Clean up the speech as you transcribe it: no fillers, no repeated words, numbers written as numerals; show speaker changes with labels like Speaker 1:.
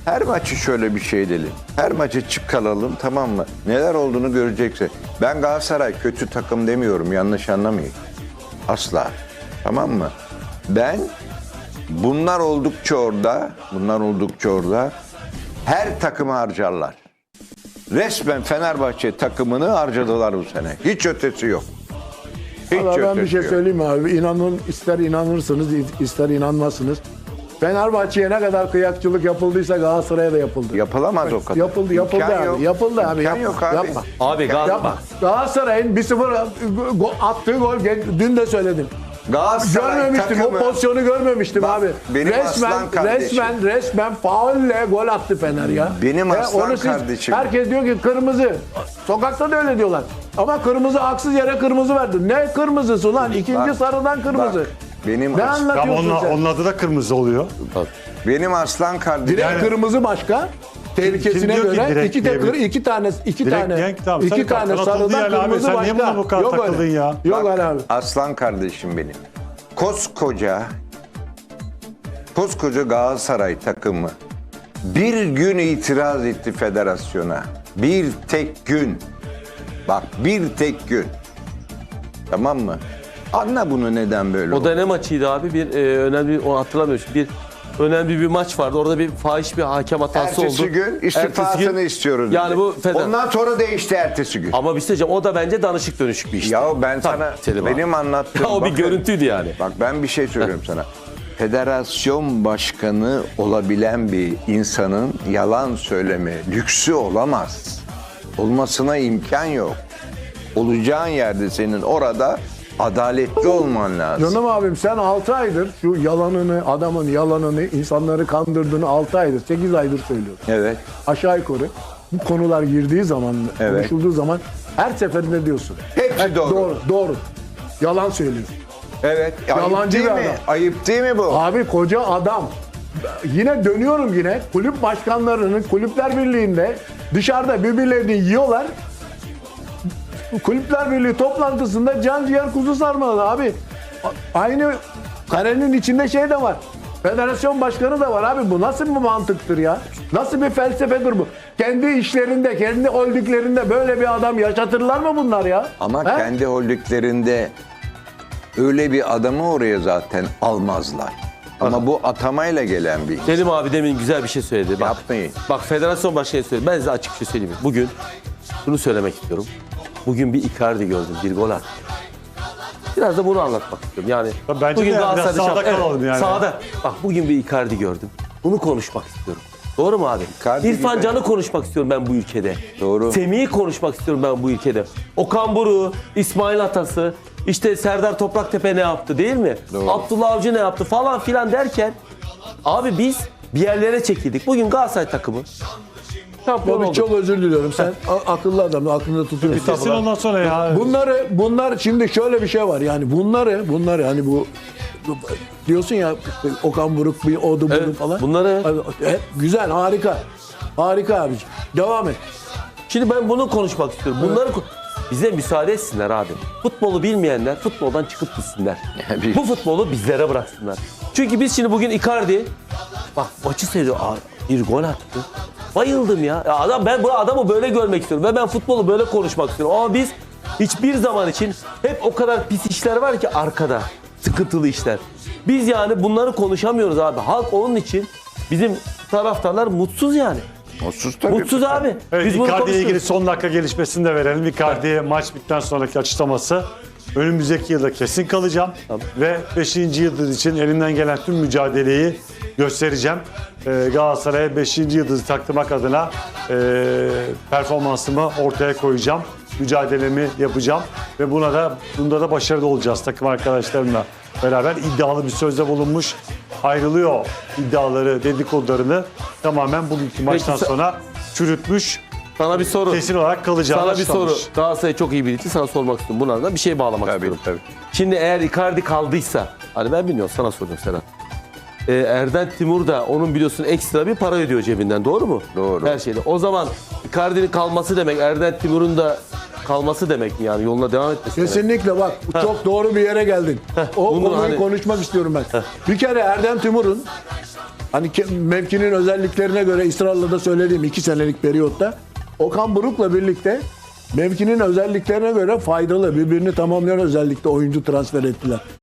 Speaker 1: Her maçı şöyle bir şey edelim. Her maçı çıkaralım, tamam mı? Neler olduğunu göreceksin. Ben Galatasaray kötü takım demiyorum, yanlış anlamayın. Asla. Tamam mı? Ben bunlar oldukça orada her takımı harcarlar. Resmen Fenerbahçe takımını harcadılar bu sene. Hiç ötesi yok. Hiç
Speaker 2: Ama ben bir
Speaker 1: ötesi
Speaker 2: şey
Speaker 1: yok.
Speaker 2: söyleyeyim mi abi? İnanın, ister inanırsınız, ister inanmazsınız. Fenerbahçe'ye ne kadar kıyakçılık yapıldıysa Galatasaray'a da yapıldı.
Speaker 1: Yapılamaz o kadar.
Speaker 2: Yapıldı
Speaker 1: İmkan
Speaker 2: abi.
Speaker 1: yok.
Speaker 2: Yapıldı abi.
Speaker 1: İmkan
Speaker 2: Yapma.
Speaker 1: yok abi.
Speaker 2: Yapma.
Speaker 3: Abi
Speaker 2: Yapma. Galatasaray'ın 1-0 attığı gol, dün de söyledim.
Speaker 1: Galatasaray
Speaker 2: Görmemiştim,
Speaker 1: takımı.
Speaker 2: o pozisyonu görmemiştim
Speaker 1: Bak,
Speaker 2: abi.
Speaker 1: benim aslan kardeşim.
Speaker 2: Resmen faulle gol attı Fener ya.
Speaker 1: Benim aslan
Speaker 2: onu
Speaker 1: kardeşim.
Speaker 2: Herkes diyor ki kırmızı. Sokakta da öyle diyorlar. Ama kırmızı, haksız yere kırmızı verdi. Ne kırmızısı lan? İkinci
Speaker 1: Bak,
Speaker 2: sarıdan kırmızı.
Speaker 1: bak, benim
Speaker 2: ne
Speaker 1: as-
Speaker 2: anlatıyorsun sen?
Speaker 4: Onun adı da kırmızı oluyor.
Speaker 1: Benim aslan kardeşim.
Speaker 2: Direkt kırmızı başka. Tehlikesine
Speaker 4: kim diyor ki
Speaker 2: göre
Speaker 4: direkt
Speaker 2: iki tane
Speaker 4: Direkt tamam, sarı kart atıldı
Speaker 2: sarıdan
Speaker 4: yani abi.
Speaker 2: kırmızı
Speaker 4: Sen
Speaker 2: başka.
Speaker 4: niye buna bu kadar
Speaker 2: Yok
Speaker 4: takıldın
Speaker 2: öyle.
Speaker 4: ya?
Speaker 2: Yok
Speaker 1: Bak,
Speaker 2: öyle abi.
Speaker 1: aslan kardeşim benim. Koskoca Galatasaray takımı bir gün itiraz etti federasyona. Bir tek gün. Bak, bir tek gün. Tamam mı? Anla bunu, neden böyle
Speaker 3: O
Speaker 1: oldu.
Speaker 3: da ne maçıydı abi? Önemli, o hatırlamıyorum. Önemli bir maç vardı. Orada bir fahiş bir hakem hatası
Speaker 1: Ertesi
Speaker 3: oldu.
Speaker 1: gün istifasını
Speaker 3: Ertesi gün-
Speaker 1: istiyoruz.
Speaker 3: Yani
Speaker 1: dedi.
Speaker 3: bu Fener.
Speaker 1: Ondan sonra değişti ertesi gün.
Speaker 3: Ama bir şey söyleyeceğim. O da bence danışık dönüşük bir işti.
Speaker 1: Ya ben
Speaker 3: Tabii,
Speaker 1: sana
Speaker 3: Selim abi.
Speaker 1: benim anlattığım
Speaker 3: O bir
Speaker 1: bakın,
Speaker 3: görüntüydü yani.
Speaker 1: Bak, ben bir şey söylüyorum sana. Federasyon başkanı olabilen bir insanın yalan söyleme lüksü olamaz. Olmasına imkan yok. Olacağın yerde senin orada adaletli olman lazım.
Speaker 2: Canım abim, sen 6 aydır şu yalanını, adamın yalanını, insanları kandırdığını 6 aydır, 8 aydır söylüyorsun.
Speaker 1: Evet.
Speaker 2: Aşağı yukarı bu konular girdiği zaman,
Speaker 1: Evet.
Speaker 2: konuşulduğu zaman her seferinde diyorsun.
Speaker 1: Hepsi doğru.
Speaker 2: Doğru. Yalan söylüyorsun.
Speaker 1: Evet. Ayıp
Speaker 2: Yalancı
Speaker 1: değil
Speaker 2: bir
Speaker 1: mi?
Speaker 2: adam.
Speaker 1: Ayıp değil mi bu?
Speaker 2: Abi koca adam. Yine dönüyorum yine. Kulüp başkanlarının Kulüpler Birliği'nde dışarıda birbirlerini yiyorlar. Kulüpler Birliği toplantısında can ciğer kuzu sarmalı abi. Aynı karenin içinde şey de var. Federasyon başkanı da var abi. Bu nasıl bir mantıktır ya? Nasıl bir felsefedir bu? Kendi işlerinde, kendi holdinglerinde böyle bir adam yaşatırlar mı bunlar ya?
Speaker 1: Ama
Speaker 2: He?
Speaker 1: kendi holdinglerinde öyle bir adamı oraya zaten almazlar. Ama bu atamayla gelen bir insan.
Speaker 3: Selim abi demin güzel bir şey söyledi. Bak,
Speaker 1: Yapmayın.
Speaker 3: Bak, federasyon başkanı söyledi. Ben size açık bir şey söyleyeyim. Bugün şunu söylemek istiyorum. Bugün bir Icardi gördüm. Bir gol attı. Biraz da bunu anlatmak istiyorum. Yani
Speaker 4: Bence
Speaker 3: bugün
Speaker 4: de biraz
Speaker 3: Galatasaray'da
Speaker 4: sahada
Speaker 3: evet,
Speaker 4: kalalım yani.
Speaker 3: Sahada. Bak, bugün bir Icardi gördüm. Bunu konuşmak istiyorum. Doğru mu abi?
Speaker 1: Icardi
Speaker 3: İrfan
Speaker 1: gibi.
Speaker 3: Can'ı konuşmak istiyorum ben bu ülkede.
Speaker 1: Doğru.
Speaker 3: Semih'i konuşmak istiyorum ben bu ülkede. Okan Buruk'u, İsmail Atas'ı, işte Serdar Topraktepe ne yaptı değil mi?
Speaker 1: Doğru.
Speaker 3: Abdullah Avcı ne yaptı falan filan derken abi biz bir yerlere çekildik. Bugün Galatasaray takımı şampiyon
Speaker 2: Abi
Speaker 3: oldu.
Speaker 2: çok özür diliyorum. Sen akıllı adam, aklında tutuyorsun.
Speaker 4: Kesin ondan sonra ya.
Speaker 2: Bunlar şimdi şöyle bir şey var, yani bunları hani bu diyorsun ya, Okan Buruk bir odu budu
Speaker 3: Evet,
Speaker 2: falan.
Speaker 3: bunları-
Speaker 2: Güzel, harika abiciğim. Devam et.
Speaker 3: Şimdi ben bunu konuşmak istiyorum. Bize müsaade etsinler abi. Futbolu bilmeyenler futboldan çıkıp gitsinler.
Speaker 1: Yani
Speaker 3: Bu futbolu bizlere bıraksınlar. Çünkü biz şimdi bugün Icardi, bak maçı seyrediyor. Bir gol attı. Bayıldım ya. Ben bu adamı böyle görmek istiyorum. Ve ben futbolu böyle konuşmak istiyorum. Ama biz hiçbir zaman için hep o kadar pis işler var ki arkada. Sıkıntılı işler. Biz yani bunları konuşamıyoruz abi. Halk onun için, bizim taraftarlar mutsuz yani.
Speaker 1: Mutsuz tabii.
Speaker 3: Mutsuz abi.
Speaker 4: Evet,
Speaker 3: Biz bunu
Speaker 4: Icardi ile
Speaker 3: konuşuyoruz.
Speaker 4: ilgili son dakika gelişmesini de verelim. Icardi'ye maç bittikten sonraki açıklaması. Önümüzdeki yılda kesin kalacağım. Ve 5. yıldız için elimden gelen tüm mücadeleyi göstereceğim. Galatasaray'a 5. yıldızı taktırmak adına performansımı ortaya koyacağım. Mücadelemi yapacağım. Ve bunda da başarılı olacağız takım arkadaşlarımla beraber. İddialı bir sözde bulunmuş. Ayrılıyor iddiaları, dedikodularını tamamen bugünkü maçtan sonra çürütmüş.
Speaker 3: Sana bir soru.
Speaker 4: Kesin olarak kalacağını
Speaker 3: Sana bir soru.
Speaker 4: açıklamış.
Speaker 3: Galatasaray çok iyi birisi, sana sormak istiyorum. Buna da bir şey bağlamak
Speaker 1: Tabii,
Speaker 3: istiyorum.
Speaker 1: tabii.
Speaker 3: Şimdi eğer Icardi kaldıysa, hani ben bilmiyorum, sana soruyorum Serhat. Erden Timur da onun biliyorsun ekstra bir para ödüyor cebinden, doğru mu?
Speaker 1: Doğru.
Speaker 3: Her şeyde. O zaman Icardi'nin kalması demek, Erden Timur'un da kalması demek mi yani, yoluna devam etmesi demek?
Speaker 2: Kesinlikle bak, çok doğru bir yere geldin. O
Speaker 3: bunu
Speaker 2: konuyu
Speaker 3: hani-
Speaker 2: konuşmak istiyorum ben. Bir kere Erdem Timur'un Hani mevkinin özelliklerine göre ısrarla da söylediğim 2 senelik periyotta Okan Buruk'la birlikte mevkinin özelliklerine göre faydalı, birbirini tamamlayan özellikle oyuncu transfer ettiler.